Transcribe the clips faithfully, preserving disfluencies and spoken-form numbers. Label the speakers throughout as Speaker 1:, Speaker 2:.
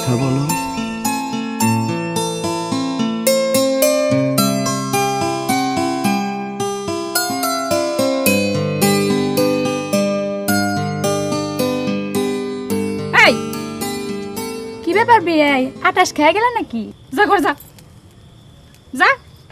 Speaker 1: কথা বলো।
Speaker 2: এই কি ব্যাপার বিয়ে আটাশ খেয়ে গেল নাকি? যা ঘর যা যা।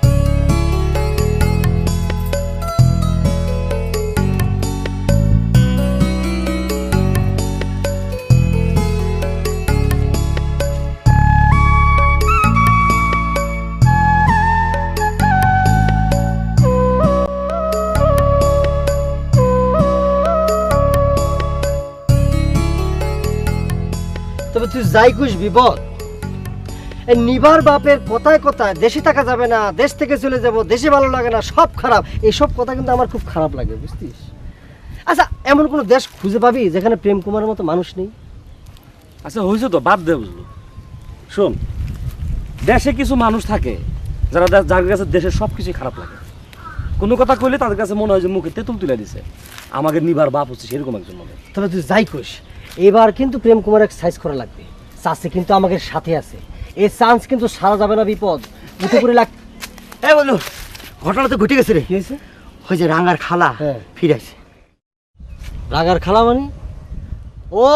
Speaker 3: তবে তুই যাই কুস বিপদ, এই নিবার বাপের কথায় কথায় দেশে থাকা যাবে না, দেশ থেকে চলে যাব, দেশে ভালো লাগে না, সব খারাপ, এইসব কথা কিন্তু আমার খুব খারাপ লাগে, বুঝতিস? আচ্ছা, এমন কোনো দেশ খুঁজে পাবি যেখানে প্রেম কুমারের মতো মানুষ নেই?
Speaker 4: আচ্ছা হয়েছে তো, বাদ দে বুঝলো। শোন, দেশে কিছু মানুষ থাকে যারা যার কাছে দেশের সব কিছুই খারাপ লাগে। কোনো কথা কইলে তাদের কাছে মনে হয় যে মুখে তেঁতুল তুলে দিছে। আমাকে নিবার বাপ হচ্ছে সেরকম একজন মনে।
Speaker 3: তবে তুই যাই কুস, এবার কিন্তু প্রেম কুমারের সাইজ করা লাগবে। চাষে কিন্তু আমাদের সাথে আছে, এই চান্স কিন্তু সারা যাবে না। বিপদ উঠে পড়ে লাগ। এই বললো, ঘটনা তো ঘটে গেছে রে। কি হয়েছে? ওই যে রাঙার খালা ফিরেছে। রাঙার খালা মানে? ও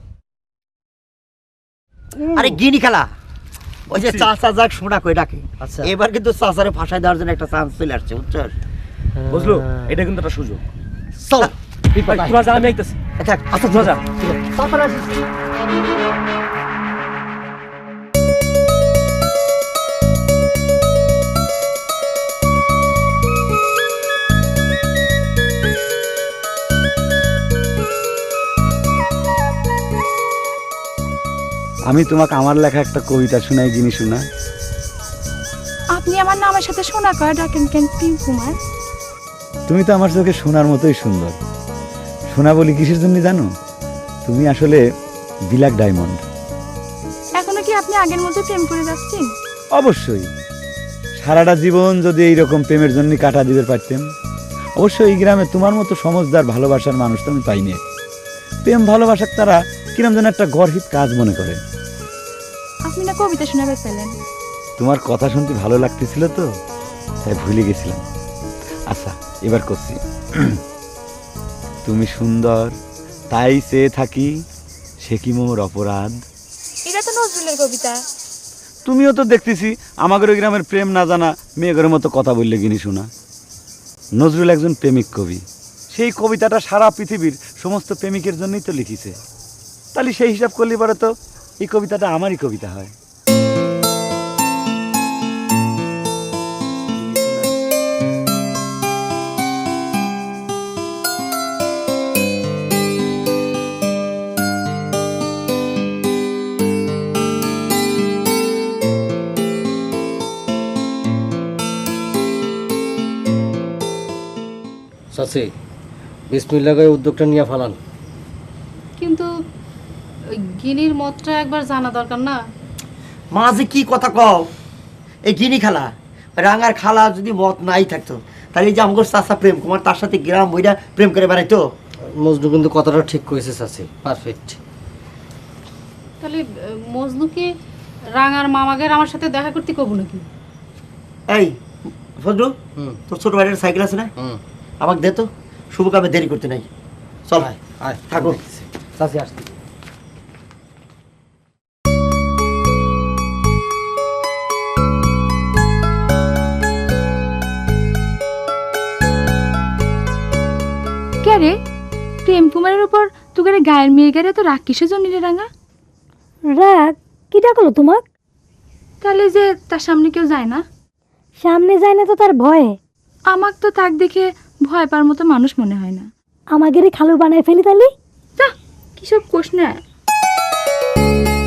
Speaker 3: আরে গিনি খালা, ওই যে চাচা যাক শোনা কই ডাকে। আচ্ছা, এবার কিন্তু চাচারে ফাঁসাই দেওয়ার জন্য একটা চান্স চলে আসছে, বুঝছস?
Speaker 4: বুঝলো, এটা কিন্তু একটা সুযোগ।
Speaker 3: চল
Speaker 4: তোরা যা, আমি আইতেছি।
Speaker 3: আচ্ছা আচ্ছা
Speaker 4: তোরা যা।
Speaker 3: তারপরে আসিস।
Speaker 1: আমি তোমাকে আমার লেখা একটা কবিতা শোনাই, জিনিস শোনা।
Speaker 2: আপনি আমার নামের সাথে সোনা করে ডাকেন কেন প্রেম কুমার?
Speaker 1: তুমি তো আমার চোখে সোনার মতোই সুন্দর। সোনা বলি কিসের জন্য জানো? তুমি আসলে ব্ল্যাক ডায়মন্ড।
Speaker 2: এখনো কি আপনি আগের মতো প্রেম করে যাচ্ছেন?
Speaker 1: অবশ্যই, সারাটা জীবন যদি এইরকম প্রেমের জন্য কাটা দিতে পারতাম। অবশ্যই এই গ্রামে তোমার মতো সমজদার ভালোবাসার মানুষ তো আমি পাইনি। প্রেম ভালোবাসার তারা কিরম যেন একটা গর্হিত কাজ মনে করে।
Speaker 2: আপনি না কবিতা শোনাবে পেলেন?
Speaker 1: তোমার কথা শুনতে ভালো লাগতেছিল তো, তাই ভুলে গেছিলাম। আচ্ছা, এবার করছি। তুমি সুন্দর তাই চেয়ে থাকি, সে কি মোর অপরাধ।
Speaker 2: এটা তো নজরুলের কবিতা।
Speaker 1: তুমিও তো দেখতেছি আমাদের ওই গ্রামের প্রেম না জানা মেয়েদের মতো কথা বললে গিনি শোনা। নজরুল একজন প্রেমিক কবি, সেই কবিতাটা সারা পৃথিবীর সমস্ত প্রেমিকের জন্যই তো লিখিছে। তাহলে সেই হিসাব করলে পরে তো এই কবিতাটা আমারই কবিতা হয়।
Speaker 3: চাচি, বিসমিল্লাহ করে উদ্যোগটা নিয়ে ফেলান।
Speaker 5: কিন্তু ওই গিনির মতটা একবার জানা দরকার না?
Speaker 3: মাঝে কি কথা কও? এই গিনি খালা, রাঙার খালা যদি মত নাই থাকতো তাহলে এই যে আমগর চাচা প্রেম কুমার তার সাথে গ্রাম বইরা প্রেম করে বেড়াইতো। মজনু কিন্তু কথাটা ঠিক কইছে চাচি, পারফেক্ট।
Speaker 5: তাহলে মজনুকে রাঙার মামাগের আমার সাথে দেখা করতে কব নাকি?
Speaker 3: এই ফজলু, তোর ছোট ভাইয়ের সাইকেল আছে না? আমাকে দে তো, শুভ কামে দেরি করতে নাই। চল আয় থাকো, চাচি আসতে।
Speaker 2: কে রে, প্রেম কুমারের উপর তোকে গায়ের মেয়ে গেলে তো রাগ কিসের জন্য রে রাঙা?
Speaker 6: রাগ কি ডাকলো তোমাক?
Speaker 2: তাহলে যে তার সামনে কেউ যায় না?
Speaker 6: সামনে যায় না তো তার ভয়ে।
Speaker 2: আমাক তো তাক দেখে ভয় পাওয়ার মতো মানুষ মনে হয় না।
Speaker 6: আমাকে রে খালু বানায় ফেলি তালি।
Speaker 2: যা, কিসব কোষ না।